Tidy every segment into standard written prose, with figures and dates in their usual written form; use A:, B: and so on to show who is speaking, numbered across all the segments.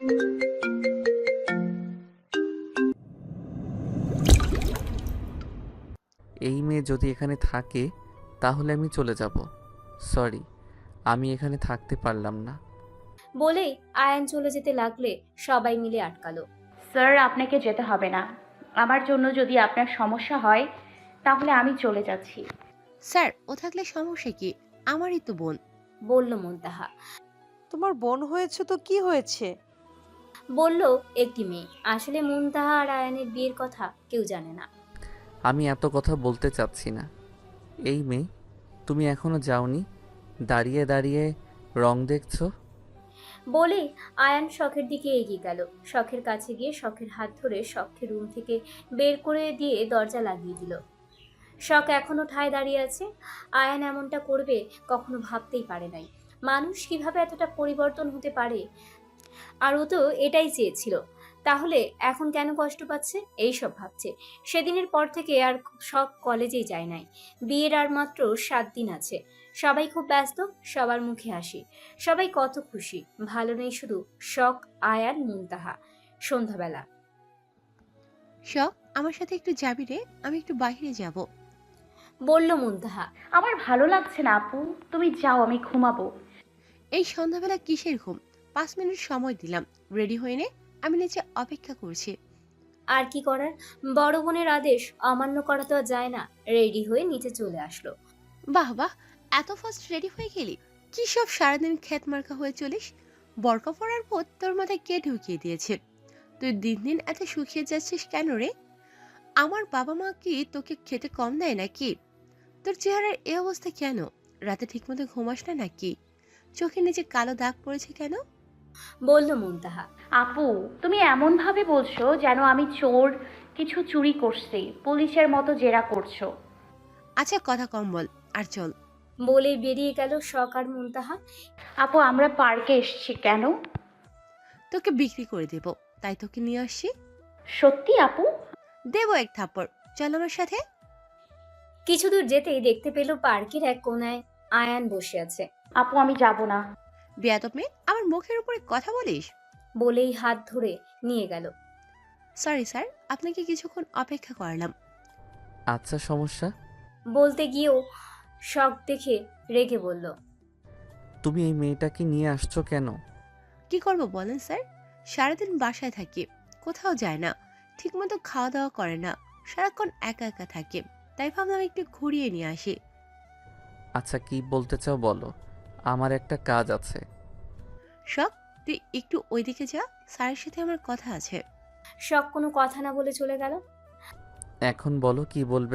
A: এই মেয়ে যদি এখানে থাকে তাহলে আমি চলে যাব। সরি, আমি এখানে থাকতে পারলাম না।
B: বলেই আয়ান চলে যেতে লাগলে সবাই মিলে আটকালো।
C: স্যার, আপনাকে যেতে হবে না। আমার জন্য যদি আপনার সমস্যা হয় তাহলে আমি চলে যাচ্ছি।
D: স্যার, ও থাকলে সমস্যা কি? আমারই তো বোন।
B: বলল মুনতাহা।
E: তোমার বোন হয়েছে তো কি হয়েছে?
B: বলল একটি মেয়ে। আসলে মুনতাহা আর আয়ানের বিয়ের কথা কেউ জানে না।
A: আমি এত কথা বলতে চাচ্ছি না। এই মেয়ে, তুমি এখনো যাওনি? দাঁড়িয়ে দাঁড়িয়ে রং দেখছো?
B: বলেই আয়ান শখের দিকে এগিয়ে গেল। শখের কাছে গিয়ে শখের হাত ধরে শখের রুম থেকে বের করে দিয়ে দরজা লাগিয়ে দিল। শখ এখনো ঠায় দাঁড়িয়ে আছে। আয়ান এমনটা করবে কখনো ভাবতেই পারে নাই। মানুষ কিভাবে এতটা পরিবর্তন হতে পারে। আর ও তো এটাই চেয়েছিল। তাহলে এখন কেন কষ্ট পাচ্ছে এই সব ভাবছে। সেদিনের পর থেকে আর শখ কলেজেই যায় নাই। বিয়ের আর মাত্র 7 দিন আছে। সবাই খুব ব্যস্ত, সবার মুখে হাসি। সবাই কত খুশি। ভালো নেই শুধু শখ, আয়ান, মুনতাহা। সন্ধ্যাবেলা
D: শখ, আমার সাথে একটু যাবি রে? আমি একটু বাইরে যাব।
B: বলল মুনতাহা।
C: আমার ভালো লাগছে না আপু, তুমি যাও, আমি ঘুমাবো।
D: এই সন্ধ্যাবেলা কিসের ঘুম? 5 মিনিট সময় দিলাম, রেডি হয়ে নে। আমি নিচে অপেক্ষা করছি।
B: আর কি করার, বড় বোনের আদেশ অমান্য করা তো আর যায় না। রেডি হয়ে নিচে চলে আসলো।
D: বাহ বাহ, এত ফাস্ট রেডি হয়ে গেলি? কি সব সারাদিন খ্যাত মার্কা হয়ে চলিস? বরকা পড়ার পর তোর মাথায় কে ঢুকিয়ে দিয়েছে? তুই দিন দিন এত শুকিয়ে যাচ্ছিস কেন রে? আমার বাবা মা কি তোকে খেতে কম দেয় নাকি? তোর চেহারার এই অবস্থা কেন? রাতে ঠিকমতো ঘুমাস না নাকি? চোখের নিচে কালো দাগ পড়েছে কেন?
B: বলল মুনতাহা।
C: আপু, তুমি এমন ভাবে বলছো যেন আমি চোর, কিছু চুরি করছি, পুলিশের মতো জেরা করছো।
D: আচ্ছা, কথা কম বল আর চল।
B: বলেই বেরিয়ে গেল শখ আর মুনতাহা।
C: আপু, আমরা পার্কে এসেছি কেন?
D: তোকে বিক্রি করে দেব, তাই তোকে নিয়ে আসছি।
C: সত্যি আপু?
D: দেবো এক থাপ্পড়। চল আমার সাথে।
B: কিছু দূর যেতেই দেখতে পেল পার্কের এক কোনায় আয়ান বসে আছে।
C: আপু, আমি যাব না।
D: বেয়াদব মেয়ে, আমার মুখের উপরে কথা বলিস?
B: বলেই হাত ধরে নিয়ে গেল।
D: সরি স্যার, আপনাকে কিছুক্ষণ অপেক্ষা করালাম।
A: আচ্ছা, সমস্যা?
B: বলতে গিয়েও শখ দেখে রেগে বলল।
A: তুমি এই মেয়েটাকে নিয়ে আসছো কেন?
D: কি করব বলেন স্যার? সারাদিন বাসায় থাকি, কোথাও যায় না, ঠিকমতো খাওয়া দাওয়া করে না, সারাক্ষণ একা একা থাকে। তাই ভাবলাম একটু ঘুরিয়ে নিয়ে আসি।
A: আচ্ছা, কি বলতে চাও বলো, আমার একটা কাজ আছে।
D: শখ, তুই একটু ওইদিকে যা, স্যারের সাথে আমার কথা আছে।
B: শখ কোনো কথা না বলে চলে গেল।
A: এখন বলো, কি বলবে?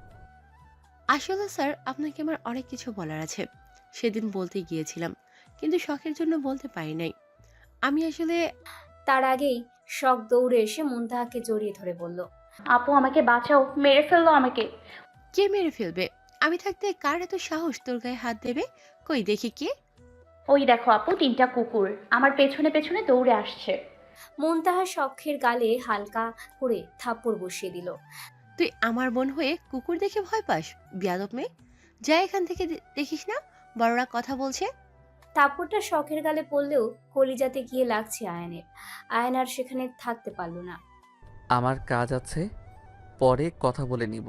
D: আসলে স্যার, আপনাকে আমার অনেক কিছু বলার আছে। সেদিন বলতে গিয়েছিলাম, কিন্তু শখের জন্য বলতে পারি নাই। আমি আসলে...
B: তার আগেই শখ দৌড়ে এসে মুনতাহাকে জড়িয়ে ধরে বলল।
C: আপু, আমাকে বাঁচাও, মেরে ফেললো আমাকে।
D: কে মেরে ফেলবে? আমি থাকতে কার এত সাহস তোর গায়ে হাত দেবে? কই দেখি কে।
C: ওই দেখো আপু, 3টা কুকুর আমার পেছনে পেছনে দৌড়ে আসছে।
B: মুনতাহা শখের গালে হালকা করে থাপ্পড় বসিয়ে দিল।
D: তুই আমার বোন হয়ে কুকুর দেখে ভয় পাস? বিয়াদব মেয়ে, যা এখান থেকে। দেখিস না বড়রা কথা বলছে?
B: থাপ্পড়টা শখের গালে পড়লেও কলিজাতে গিয়ে লাগছে আয়ানের। আয়ান আর সেখানে থাকতে পারল না।
A: আমার কাজ আছে, পরে কথা বলে নিব।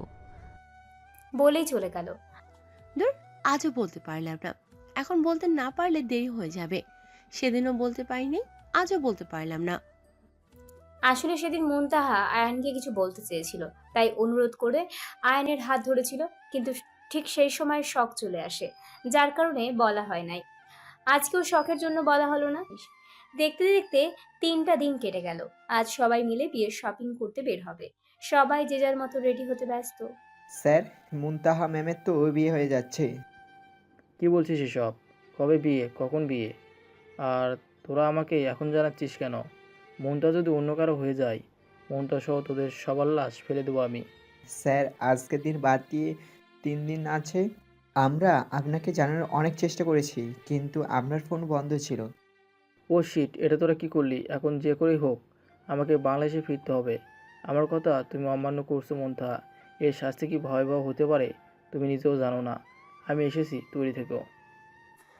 B: বলেই চলে গেল।
D: দূর, আজও বলতে পারলাম না। এখন বলতে না পারলে দেরি হয়ে যাবে। সেদিনও বলতে পারিনি, আজও বলতে পারলাম না।
B: আসলে সেদিন মুনতাহা আয়ানকে কিছু বলতে চেয়েছিল, তাই অনুরোধ করে আয়ানের হাত ধরেছিল। কিন্তু ঠিক সেই সময় শখ চলে আসে, যার কারণে বলা হয় নাই। আজকেও শখের জন্য বলা হলো না। দেখতে দেখতে 3টা দিন কেটে গেল। আজ সবাই মিলে বিয়ের শপিং করতে বের হবে। সবাই যে যার মতো রেডি হতে ব্যস্ত।
F: স্যার, মুনতাহা ম্যামের তো বিয়ে হয়ে যাচ্ছে।
G: কি বলছিস এসব? কবে বিয়ে, কখন বিয়ে? আর তোরা আমাকে এখন জানাচ্ছিস কেন? মনটা যদি অন্য কারো হয়ে যায়, মনটা সহ তোদের সবার লাশ ফেলে দেবো আমি।
F: স্যার, আজকের দিন বাদ দিয়ে 3 দিন আছে। আমরা আপনাকে জানানোর অনেক চেষ্টা করেছি, কিন্তু আপনার ফোন বন্ধ ছিল।
G: ও শিট, এটা তোরা কি করলি? এখন যে করেই হোক আমাকে বাংলাদেশে ফিরতে হবে। আমার কথা তুমি অমান্য করছো মন্থা। এর শাস্তি কি ভয়াবহ হতে পারে তুমি নিজেও জানো না। আমি এসেছি, তৈরি থেকো।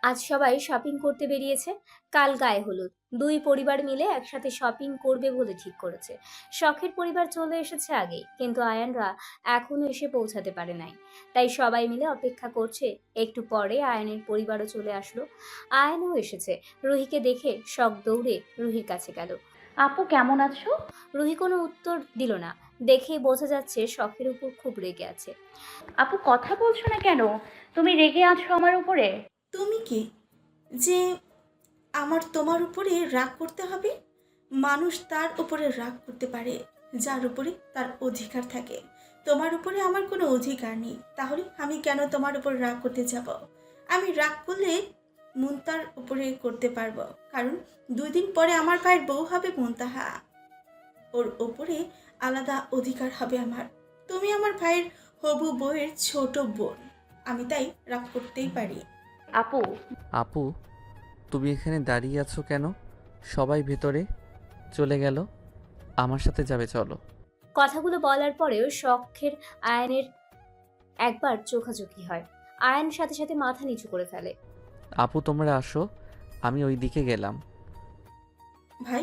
B: আজ সবাই শপিং করতে বেরিয়েছে। কাল গায়ে হলুদ। দুই পরিবার মিলে একসাথে শপিং করবে বলে ঠিক করেছে। শখের পরিবার চলে এসেছে আগেই, কিন্তু আয়ানরা এখনো এসে পৌঁছাতে পারে নাই। তাই সবাই মিলে অপেক্ষা করছে। একটু পরে আয়ানের পরিবারও চলে আসলো। আয়ানও এসেছে। রুহিকে দেখে শখ দৌড়ে রুহির কাছে গেল।
C: আপু কেমন আছো?
B: রুহি কোনো উত্তর দিল না। দেখেই বোঝা যাচ্ছে শখের উপর খুব রেগে আছে।
C: আপু কথা বলছো না কেন? তুমি রেগে আছো আমার উপরে?
H: তুমি কি যে আমার তোমার উপরে রাগ করতে হবে? মানুষ তার উপরে রাগ করতে পারে যার উপরে তার অধিকার থাকে। তোমার উপরে আমার কোনো অধিকার নেই, তাহলে আমি কেন তোমার উপর রাগ করতে যাব? আমি রাগ করলে মুনতার উপরে করতে পারবো, কারণ 2 দিন পরে আমার ভাইয়ের বউ হবে মুনতাহা। ওর উপরে আলাদা অধিকার হবে আমার। তুমি আমার ভাইয়ের হবু বউয়ের ছোট বোন, আমি তাই রাগ করতেই পারি।
C: আপু
A: আপু, তুমি এখানে দাঁড়িয়ে আছো কেন? সবাই ভেতরে চলে গেল। আমার সাথে যাবে, চলো।
B: কথাগুলো বলার পরেও শখের আয়ানের একবার চোখাচোখি হয়। আয়ান সাথে সাথে মাথা নিচু করে ফেলে।
A: আপু তোমরা আসো, আমি ওই দিকে গেলাম।
H: ভাই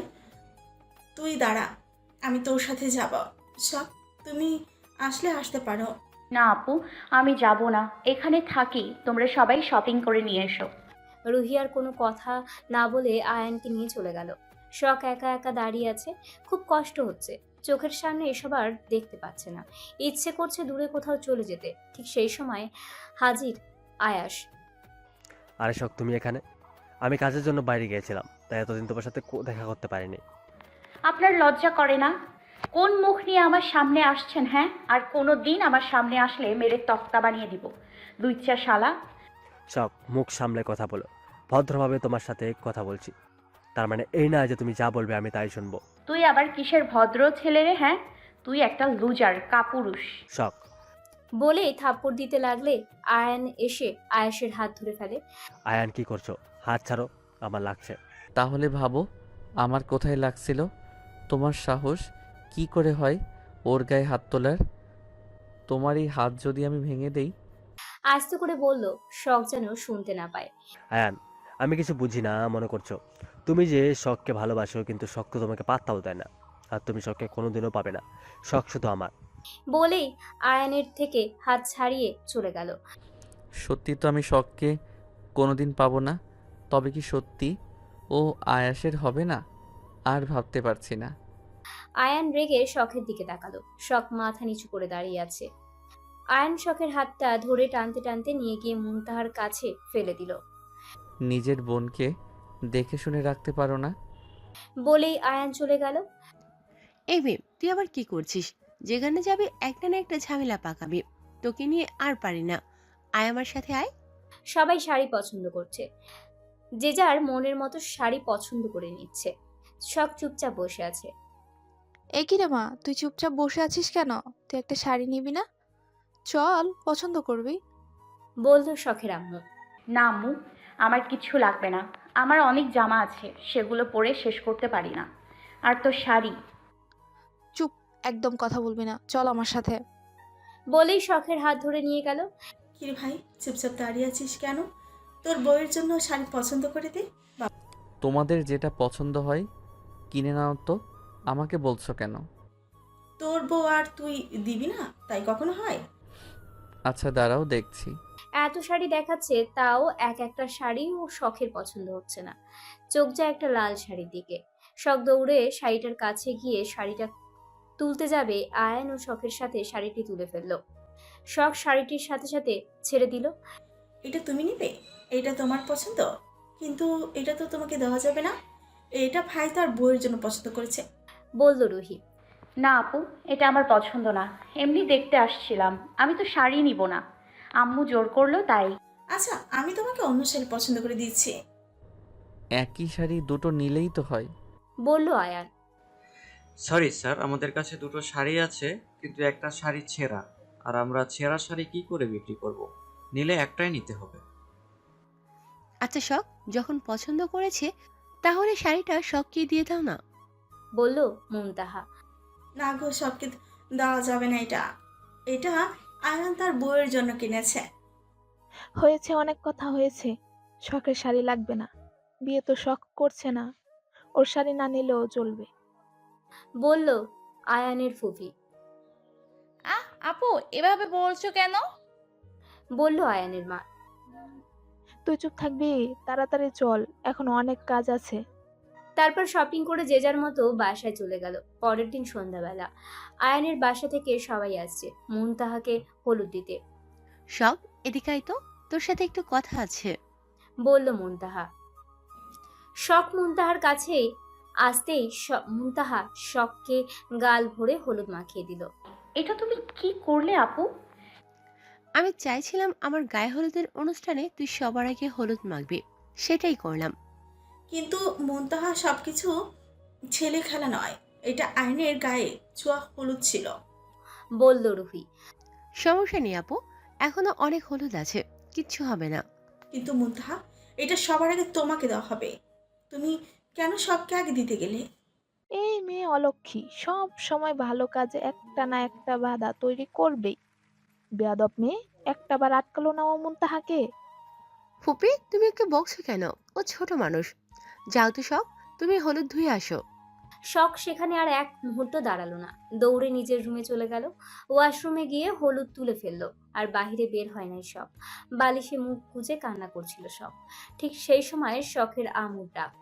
H: তুই দাঁড়া, আমি তোর সাথে যাব। সব তুমি আসলে আসতে পারো।
C: না আপু, আমি যাব না, এখানে থাকি। তোমরা সবাই শপিং করে নিয়ে এসো।
B: রুহি আর কোনো কথা না বলে আয়ানকে নিয়ে চলে গেল। শখ একা একা দাঁড়িয়ে আছে। খুব কষ্ট হচ্ছে। চোখের সামনে এসব আর দেখতে পাচ্ছে না। ইচ্ছে করছে দূরে কোথাও চলে যেতে। ঠিক সেই সময় হাজির আয়াস।
I: আরে শখ, তুমি এখানে? আমি কাজের জন্য বাইরে গিয়েছিলাম, তাই এতদিন তোমার সাথে দেখা করতে পারিনি।
C: আপনার লজ্জা করে না? কোন মুখ নিয়ে আমার সামনে আসছেন? হ্যাঁ, আর কোনো দিন আমার সামনে আসলে মেরে তক্তা বানিয়ে দিব। লুচ্চা শালা।
I: শখ, মুখ সামলে কথা বলো। ভদ্রভাবে তোমার সাথে কথা বলছি, তার মানে এই না যে তুমি যা বলবে আমি তাই শুনবো।
C: তুই আবার কিসের ভদ্র ছেলে রে? হ্যাঁ, তুই একটা লুজার, কাপুরুষ।
I: শখ,
B: বলেই থাপ্পড় দিতে লাগলে আয়ান এসে আয়াসের হাত ধরে ফেলে।
I: আয়ান কি করছো? হাত ছাড়ো, আমার লাগছে।
A: তাহলে ভাবো আমার কোথায় লাগছিল। তোমার সাহস কি করে হয় ওর গায়ে হাত তোলার? তোমার এই হাত যদি আমি ভেঙে দেই।
B: আস্তে করে বলল, শখ যেন শুনতে না পায়।
I: আয়ান, আমি কিছু বুঝি না মনে করছো? তুমি যে শখকে ভালোবাসো, কিন্তু শখ তো তোমাকে পাত্তাও দেয় না। আর তুমি শখকে কোনোদিনও পাবে না। শখ শুধু আমার।
B: বলেই আয়ানের থেকে হাত ছাড়িয়ে চলে গেল।
A: সত্যি তো আমি শখকে কোনোদিন পাবো না। তবে কি সত্যি ও আয়াসের হবে না? আর ভাবতে পারছি না।
B: আয়ান রেগে শখের দিকে তাকালো। শখ মাথা নিচু করে দাঁড়িয়ে আছে। আয়ান শখের হাতটা ধরে টানতে টানতে নিয়ে গিয়ে মুনতাহার কাছে ফেলে দিল।
A: নিজের বোনকে দেখে শুনে রাখতে পারো না?
B: বলেই আয়ান চলে গেল।
D: এই মেয়ে, তুই আবার কি করছিস? যেখানে যাবি একটা না একটা ঝামেলা পাকাবি। তোকে নিয়ে আর পারি না। আয় আমার সাথে আয়।
B: সবাই শাড়ি পছন্দ করছে। যে যার মনের মতো শাড়ি পছন্দ করে নিচ্ছে। শখ চুপচাপ বসে আছে।
J: এ কি রে মা, তুই চুপচাপ বসে আছিস কেন? তুই একটা শাড়ি নিবি না? চল, পছন্দ করবি।
B: বলল শখের আম্মু।
C: না আম্মু, আমার কিচ্ছু লাগবে না। আমার অনেক জামা আছে, সেগুলো পরে শেষ করতে পারি না। আর তো শাড়ি।
J: চুপ, একদম কথা বলবি না, চল আমার সাথে।
B: বলেই শখের হাত ধরে নিয়ে গেল।
H: কিরে ভাই, চুপচাপ দাঁড়িয়ে আছিস কেন? তোর বউয়ের জন্য শাড়ি পছন্দ করে দে।
A: তোমাদের যেটা পছন্দ হয় কিনে নাও তো, আমাকে বলছো কেন?
H: তোর বউ আর তুই দিবি না, তাই কখনো হয়?
A: আচ্ছা দাঁড়াও, দেখছি।
B: এত শাড়ি দেখাচ্ছে, তাও এক একটা শাড়ি ও শখের পছন্দ হচ্ছে না। চোখ যায় একটা লাল শাড়ির দিকে। শখ দৌড়ে শাড়িটার কাছে গিয়ে শাড়িটা তুলতে যাবে। আয়ান ও শখের সাথে শাড়িটি তুলে ফেললো। শখ শাড়িটির সাথে সাথে ছেড়ে দিল।
H: এটা তুমি নিবে? এটা তোমার পছন্দ, কিন্তু এটা তো তোমাকে দেওয়া যাবে না। এটা ভাই তার বউয়ের জন্য পছন্দ করেছে।
B: বলল রুহি।
C: না আপু, এটা আমার পছন্দ না। এমনি দেখতে আসছিলাম, আমি তো শাড়ি নিব না। আম্মু জোর করলো তাই।
H: আচ্ছা, আমি তোমাকে অন্য শাড়ি পছন্দ করে দিচ্ছি।
A: একই শাড়ি দুটো নিলেই তো হয়।
B: বলল আয়ান।
K: সরি স্যার, আমাদের কাছে দুটো শাড়ি আছে, কিন্তু একটা শাড়ি ছেঁড়া, আর আমরা ছেঁড়া শাড়ি কি করে বিক্রি করব? নিলে একটাই নিতে হবে।
D: আচ্ছা শখ, যখন পছন্দ করেছে তাহলে শাড়িটা শখকে দিয়ে দাও না।
B: বলল মুনতাহা।
H: না গো, সবকে দেওয়া যাবে না। এটা এটা আয়ান তার বউয়ের জন্য কিনেছে।
J: হয়েছে, অনেক কথা হয়েছে। শখের শাড়ি লাগবে না, বিয়ে তো শখ করছে না, ওর শাড়ি না নিলেও চলবে।
B: বলল আয়ানের ফুফি।
L: আপু এভাবে বলছো কেন?
B: বলল আয়ানের মা।
J: তুই চুপ থাকবি? তাড়াতাড়ি চল, এখন অনেক কাজ আছে।
B: তারপর শপিং করে যে যার মতো বাসায় চলে গেল। পরের দিন সন্ধ্যাবেলা আয়ানের বাসা থেকে সবাই আসছে মুনতাহাকে হলুদ দিতে।
D: সব এদিকে আয় তো, তোর সাথে একটু কথা আছে।
B: বলল মুনতাহা। শখ মুনতাহার কাছে আসতেই মুনতাহা শখকে গাল ভরে হলুদ মাখিয়ে দিল।
C: এটা তুমি কি করলে আপু?
D: আমি চাইছিলাম আমার গায়ে হলুদের অনুষ্ঠানে তুই সবার আগে হলুদ মাখবি, সেটাই করলাম।
H: কিন্তু মুনতাহা সবকিছু ছেলে খেলা নয়, এটা আইনের গায়ে ছোঁয়া হলুদ ছিল।
B: বলল রুহি।
D: সমস্যা নেই আপু, এখনো অনেক হলুদ আছে, কিচ্ছু হবে না।
H: কিন্তু মুনতাহা, এটা সবার আগে তোমাকে দেওয়া হবে। তুমি কেন সবকে আগে দিতে গেলে?
J: এই মেয়ে অলক্ষী সব সময় ভালো কাজে একটা না একটা বাধা তৈরি করবেই। বেয়াদব মেয়ে, একটা বার আটকালো না ও মুনতাহাকে।
D: ফুপি তুমি ওকে বকছো কেন? ও ছোট মানুষ। যাও তো সব, তুমি হলুদ ধুয়ে আসো।
B: শখ সেখানে আর এক মুহূর্ত দাঁড়ালো না, দৌড়ে নিজের রুমে চলে গেল। ওয়াশরুমে গিয়ে হলুদ তুলে ফেললো, আর বাহিরে বের হয় নাই সব। বালিশে মুখ গুজে কান্না করছিল সব। ঠিক সেই সময় শখের আমুর ডাক।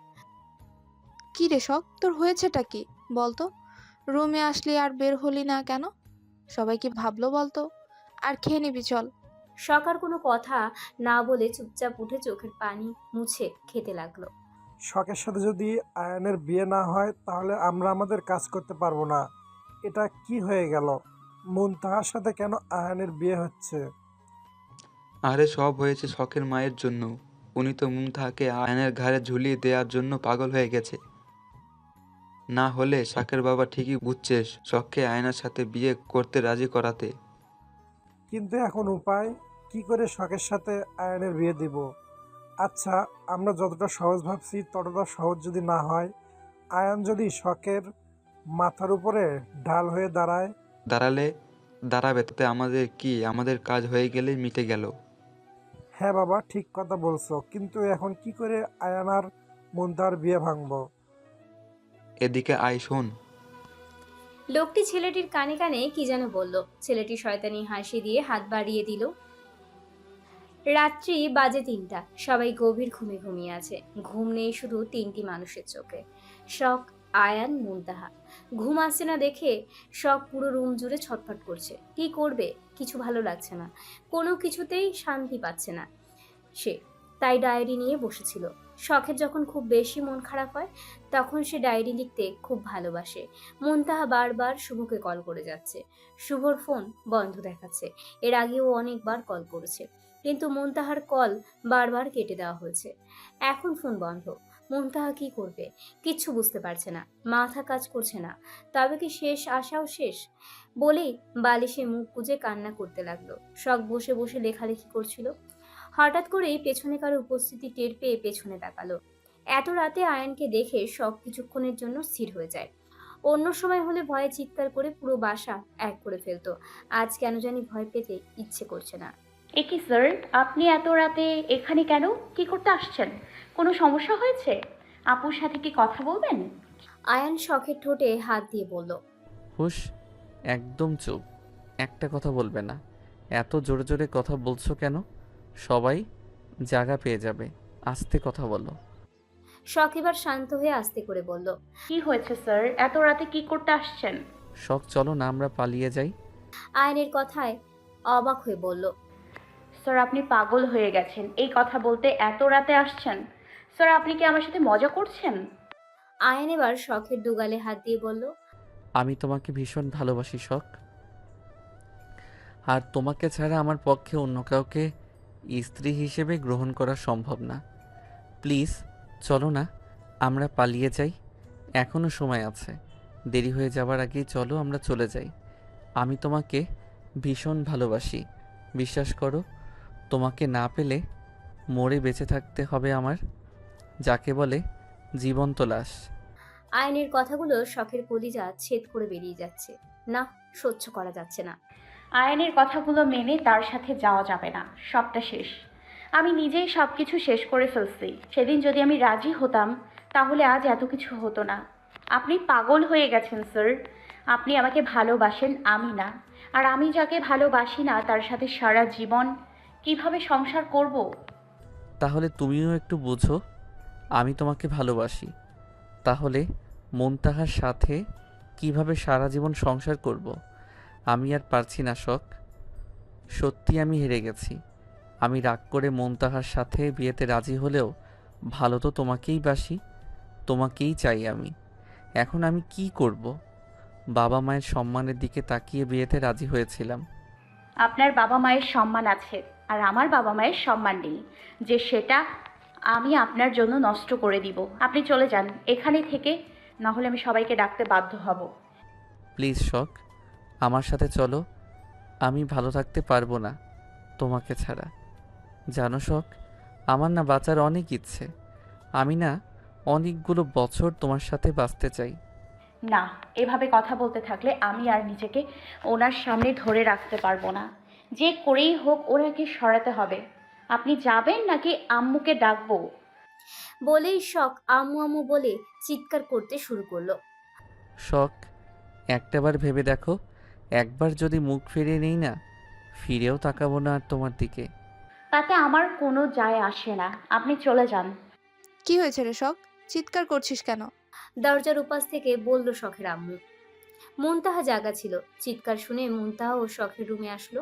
J: কি রে শখ, তোর হয়েছেটা কি বলতো? রুমে আসলি আর বের হলি না কেন? সবাই কি ভাবলো বলতো? আর খেয়ে নিবি চল।
B: শখ আর কোনো কথা না বলে চুপচাপ উঠে চোখের পানি মুছে খেতে লাগলো।
M: শখের সাথে যদি আয়ানের বিয়ে না হয় তাহলে আমরা আমাদের কাজ করতে পারবো না। এটা কি হয়ে গেল? মুনতাহার সাথে কেন আয়ানের বিয়ে হচ্ছে?
N: আরে সব হয়েছে শখের মায়ের জন্য। উনি তো মুমতাহাকে আয়নের ঘাড়ে ঝুলিয়ে দেওয়ার জন্য পাগল হয়ে গেছে। না হলে শখের বাবা ঠিকই বুঝছে শখকে আয়নার সাথে বিয়ে করতে রাজি করাতে।
M: কিন্তু এখন উপায় কি করে শখের সাথে আয়ানের বিয়ে দিব? আচ্ছা, আমরা যতটা সহজ ভাবছি ততটা সহজ যদি না হয়, আয়ান যদি শখের মাথার উপরে ঢাল হয়ে দাঁড়ায়?
N: দাঁড়াবে তাতে আমাদের কি? আমাদের কাজ হয়ে গেলেই মিটে গেল।
M: হ্যাঁ বাবা, ঠিক কথা বলছো, কিন্তু এখন কি করে আয়ান আর মুনতাহার বিয়ে ভাঙবো?
N: এদিকে আয় শোন।
B: লোকটি ছেলেটির কানে কানে কি যেন বলল। ছেলেটি শয়তানি হাসি দিয়ে হাত বাড়িয়ে দিল। রাত্রি বাজে ৩টা, সবাই গভীর ঘুমে ঘুমিয়ে আছে। ঘুম নেই শুধু ৩টি মানুষের চোখে, শখ, আয়ান, মুনতাহা। ঘুম আসছে না দেখে শখ পুরো রুম জুড়ে ছটফট করছে। কি করবে, কিছু ভালো লাগছে না, কোনো কিছুতেই শান্তি পাচ্ছে না সে। তাই ডায়েরি নিয়ে বসেছিল। শখের যখন খুব বেশি মন খারাপ হয় তখন সে ডায়েরি লিখতে খুব ভালোবাসে। মুনতাহা বারবার শুভকে কল করে যাচ্ছে, শুভর ফোন বন্ধ দেখাচ্ছে। এর আগেও অনেকবার কল করেছে, কিন্তু মুনতাহার কল বারবার কেটে দেওয়া হয়েছে। এখন ফোন বন্ধ। মুনতাহা কি করবে কিচ্ছু বুঝতে পারছে না, মাথা কাজ করছে না। তবে কি শেষ আশাও শেষ? বলেই বালিশে মুখ গুজে কান্না করতে লাগলো। শখ বসে বসে লেখালেখি করছিল। হঠাৎ করেই পেছনে কারো উপস্থিতি টের পেয়ে পেছনে তাকালো। এত রাতে আয়ানকে দেখে শখ কিছুক্ষণের জন্য স্থির হয়ে যায়। অন্য সময় হলে ভয়ে চিৎকার করে পুরো বাসা এক করে ফেলতো। আজ কেন জানি ভয় পেতে ইচ্ছে করছে না।
C: এ কি স্যার, আপনি এত রাতে এখানে কেন? কি করতে আসছেন? কোনো সমস্যা হয়েছে? আপুর সাথে কি কথা বলবেন?
B: আয়ান শখের ঠোঁটে হাত দিয়ে বলল।
A: হুশ, একদম চুপ, একটা কথা বলবে না। এত জোরে জোরে কথা বলছো কেন? সবাই জায়গা পেয়ে যাবে, আস্তে কথা বলো।
B: শখ এবার শান্ত হয়ে আস্তে করে বলল।
C: কি হয়েছে স্যার, এত রাতে কি করতে আসছেন?
A: শখ চলো না আমরা পালিয়ে যাই।
B: আয়নের কথায় অবাক হয়ে বলল।
C: স্যার আপনি পাগল হয়ে গেছেন, এই কথা বলতে এত রাতে আসছেন? স্যার আপনি কি আমার সাথে মজা করছেন?
B: আয়ন এবার শখের দুগালে হাত দিয়ে বলল।
A: আমি তোমাকে ভীষণ ভালোবাসি শখ, আর তোমাকে ছাড়া আমার পক্ষে অন্য কাউকে স্ত্রী হিসেবে গ্রহণ করা সম্ভব না। প্লিজ চলো না আমরা পালিয়ে যাই, এখনো সময় আছে। দেরি হয়ে যাওয়ার আগেই চলো আমরা চলে যাই। আমি তোমাকে ভীষণ ভালোবাসি, বিশ্বাস করো। তোমাকে না পেলে মরে বেঁচে থাকতে হবে আমার, যাকে বলে জীবন্ত লাশ।
B: আয়নের কথাগুলো শখের কলিজা ছেদ করে বেরিয়ে যাচ্ছে। না, সহ্য করা যাচ্ছে না।
C: আয়নের কথাগুলো মেনে তার সাথে যাওয়া যাবে না, সবটা শেষ। আমি নিজেই সব কিছু শেষ করে ফেলছি। সেদিন যদি আমি রাজি হতাম তাহলে আজ এত কিছু হতো না। আপনি পাগল হয়ে গেছেন স্যার। আপনি আমাকে ভালোবাসেন, আমি না। আর আমি যাকে ভালোবাসি না তার সাথে সারা জীবন কিভাবে সংসার করব?
A: তাহলে তুমিও একটু বোঝো, আমি তোমাকে ভালোবাসি। তাহলে মুনতাহার সাথে কিভাবে সারা জীবন সংসার করব? আমি আর পারছি না শখ। সত্যি আমি হেরে গেছি। আমি রাগ করে মুনতাহার সাথে বিয়েতে রাজি হলেও ভালো তো তোমাকেই বাসি, তোমাকেই চাই আমি। এখন আমি কি করব? বাবা মায়ের সম্মানের দিকে তাকিয়ে বিয়েতে রাজি হয়েছিলাম।
C: আপনার বাবা মায়ের সম্মান আছে, আর আমার বাবা মায়ের সম্মান নেই, যে সেটা আমি আপনার জন্য নষ্ট করে দিব। আপনি চলে যান এখানে থেকে, না হলে আমি সবাইকে ডাকতে বাধ্য হব।
A: প্লিজ শখ, আমার সাথে চলো। আমি ভালো থাকতে পারবো না তোমাকে ছাড়া। জানো শখ, আমার না বাঁচার অনেক ইচ্ছে। আমি না অনেকগুলো বছর তোমার সাথে বাঁচতে চাই।
C: না, এভাবে কথা বলতে থাকলে আমি আর নিজেকে ওনার সামনে ধরে রাখতে পারবো না। যে করেই হোক ওনাকে সরাতে হবে। আপনি যাবেন নাকি আম্মুকে ডাকবো?
B: বলেই শখ আম্মু আম্মু বলে চিৎকার করতে শুরু করলো।
A: শখ, একটাবার ভেবে দেখো, একবার যদি মুখ ফিরিয়ে নেই না, ফিরেও তাকাবো না আর তোমার দিকে।
C: তাতে আমার কোনো যায় আসে না, আপনি চলে যান।
J: কি হয়েছে রে শখ? চিৎকার করছিস কেন?
B: দরজার উপাস থেকে বলল শখের আম্মু। মুনতাহা জাগা ছিল। চিৎকার শুনে মুনতাহা ও শখের রুমে আসলো।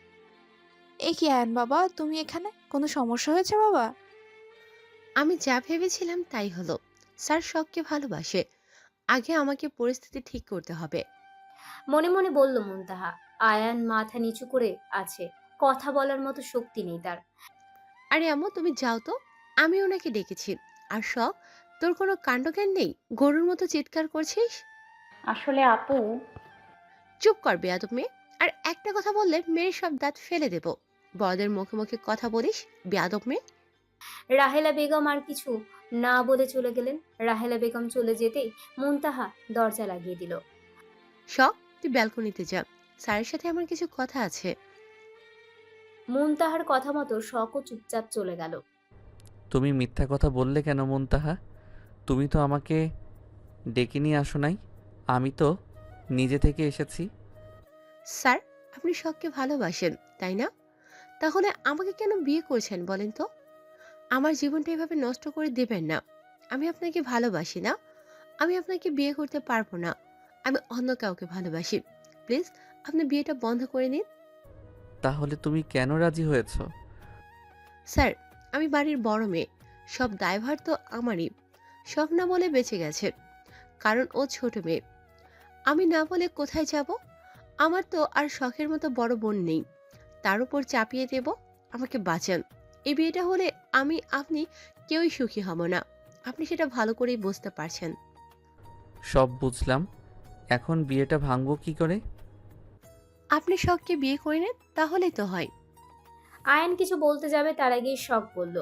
J: এ কি আয়ন বাবা, তুমি এখানে? কোনো সমস্যা হয়েছে বাবা?
D: আমি যা ভেবেছিলাম তাই হলো। স্যার শখকে ভালোবাসে। আগে আমাকে পরিস্থিতি ঠিক করতে হবে।
B: মনে মনে বলল মুনতাহা। আয়ান মাথা নিচু করে আছে, কথা বলার মতো শক্তি নেই তার।
D: আরে আম্মু তুমি যাও তো, আমি ওনাকে ডেকেছি। আর শখ, তোর কোনো কাণ্ডজ্ঞান নেই, গরুর মতো চিৎকার করছিস।
C: আসলে আপু,
D: চুপ কর বেয়াদব মেয়ে। আর একটা কথা বললে মেরে সব দাঁত ফেলে দেব। বড়দের মুখে মুখে কথা বলিস, বেয়াদব মেয়ে।
B: রাহেলা বেগম আর কিছু না বলে চলে গেলেন। রাহেলা বেগম চলে যেতেই মুনতাহা দরজা লাগিয়ে দিল।
D: শখ, তুই ব্যালকনিতে যা, স্যারের সাথে আমার কিছু কথা আছে।
B: মুনতাহার কথা মতো শখও চুপচাপ চলে গেল।
A: তুমি মিথ্যা কথা বললে কেন মুনতাহা? তুমি তো আমাকে ডেকে নিয়ে আসো নাই, আমি তো নিজে থেকে এসেছি।
D: স্যার, আপনি শখকে ভালোবাসেন তাই না? তাহলে আমাকে কেন বিয়ে করছেন বলেন তো? আমার জীবনটা এভাবে নষ্ট করে দেবেন না। আমি আপনাকে ভালোবাসি না, আমি আপনাকে বিয়ে করতে পারবো না। আমি অন্য কাউকে ভালোবাসি। প্লিজ আপনি বিয়েটা বন্ধ করে নিন।
A: তাহলে তুমি কেন রাজি হয়েছ?
D: স্যার, আমি বাড়ির বড় মেয়ে, সব দায়ভার তো আমারই। শখ না বলে বেঁচে গেছে, কারণ ও ছোট মেয়ে। আমি না বলে কোথায় যাব? আমার তো আর শখের মতো বড় বোন নেই, তার উপর চাপিয়ে দেব। আমাকে বাঁচান। এই বিয়েটা হলে আমি আপনি কেউই সুখী হব না। আপনি সেটা ভালো করেই বুঝতে পারছেন।
A: সব বুঝলাম, এখন বিয়েটা ভাঙবো কি করে?
D: আপনি শখকে বিয়ে করে নেন, তাহলেই তো হয়।
B: আয়ান কিছু বলতে যাবে তার আগেই শখ বলল,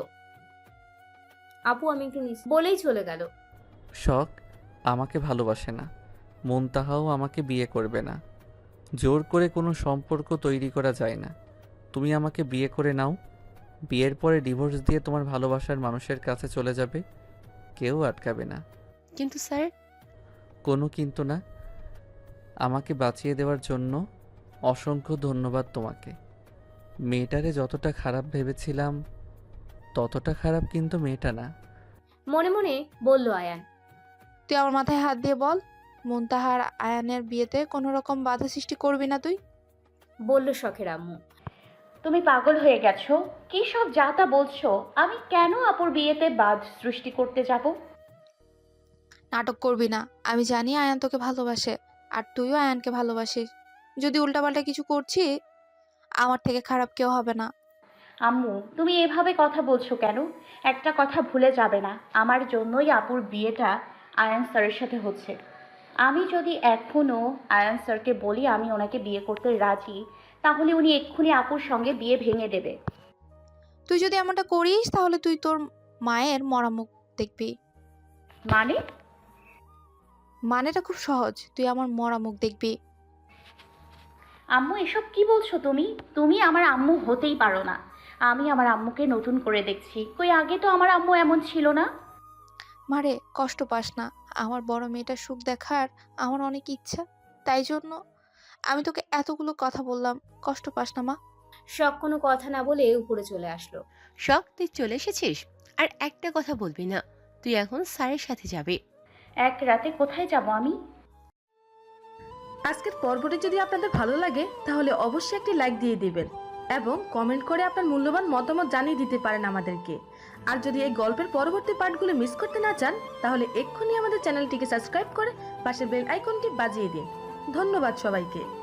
B: আপু আমি একটু নিচে, বলেই চলে গেল।
A: শখ আমাকে ভালোবাসে না, মুনতাহাও আমাকে বিয়ে করবে না। জোর করে কোনো সম্পর্ক তৈরি করা যায় না। তুমি আমাকে বিয়ে করে নাও, বিয়ের পরে ডিভোর্স দিয়ে তোমার ভালোবাসার মানুষের কাছে চলে যাবে, কেউ আটকাবে না।
D: কিন্তু স্যার,
A: কোনো কিন্তু না। আমাকে বাঁচিয়ে দেওয়ার জন্য অসংখ্য ধন্যবাদ তোমাকে। মেয়েটারে যতটা খারাপ ভেবেছিলাম ততটা খারাপ কিন্তু মেয়েটা না।
B: মনে মনে বলল আয়ান।
J: তুই আমার মাথায় হাত দিয়ে বল, মুনতাহার আয়ানের বিয়েতে কোনো রকম বাধা সৃষ্টি করবি না তুই?
B: বলল শখের আম্মু।
C: তুমি পাগল হয়ে গেছো? কি সব যা তা বলছো? আমি কেন আপুর বিয়েতে বাধ সৃষ্টি করতে যাব?
J: নাটক করবি না। আমি জানি আয়ান তোকে ভালোবাসে, আর তুইও আয়ানকে ভালোবাসিস। যদি উল্টাপাল্টা কিছু করছি, আমার থেকে খারাপ কেউ হবে না।
C: আম্মু, তুমি এভাবে কথা বলছো কেন? একটা কথা ভুলে যাবে না, আমার জন্যই আপুর বিয়েটা আয়ান স্যারের সাথে হচ্ছে। আমি যদি এখনো আয়ান স্যারকে বলি আমি ওনাকে বিয়ে করতে রাজি, তাহলে উনি এক্ষুনি আপুর সঙ্গে বিয়ে ভেঙে দেবে।
J: তুই যদি এমনটা করিস তাহলে তুই তোর মায়ের মরা মুখ দেখবি।
C: মানে?
J: মানেটা খুব সহজ, তুই আমার মরা মুখ দেখবি।
C: আম্মু, এসব কি বলছো তুমি? তুমি আমার আম্মু হতেই পারো না। আমি আমার আম্মুকে নতুন করে দেখছি। কই আগে তো আমার আম্মু এমন ছিল না।
J: মারে কষ্ট পাস না, আমার বড় মেয়েটার সুখ দেখার আমার অনেক ইচ্ছা, তাই জন্য আমি তোকে এতগুলো কথা বললাম, কষ্ট পাস না মা।
B: শখ কোনো কথা না বলে উপরে চলে আসলো।
D: শখ, তুই চলে এসেছিস? আর একটা কথা বলবি না, তুই এখন স্যারের সাথে যাবি।
C: এক রাতে কোথায় যাব আমি?
O: আজকের পর্বটি যদি আপনাদের ভালো লাগে তাহলে অবশ্যই একটি লাইক দিয়ে দিবেন এবং কমেন্ট করে আপনার মূল্যবান মতামত জানিয়ে দিতে পারেন আমাদেরকে। আর যদি এই গল্পের পরবর্তী পার্টগুলো মিস করতে না চান তাহলে এক্ষুনি আমাদের চ্যানেলটিকে সাবস্ক্রাইব করে পাশের বেল আইকনটি বাজিয়ে দিন। ধন্যবাদ সবাইকে।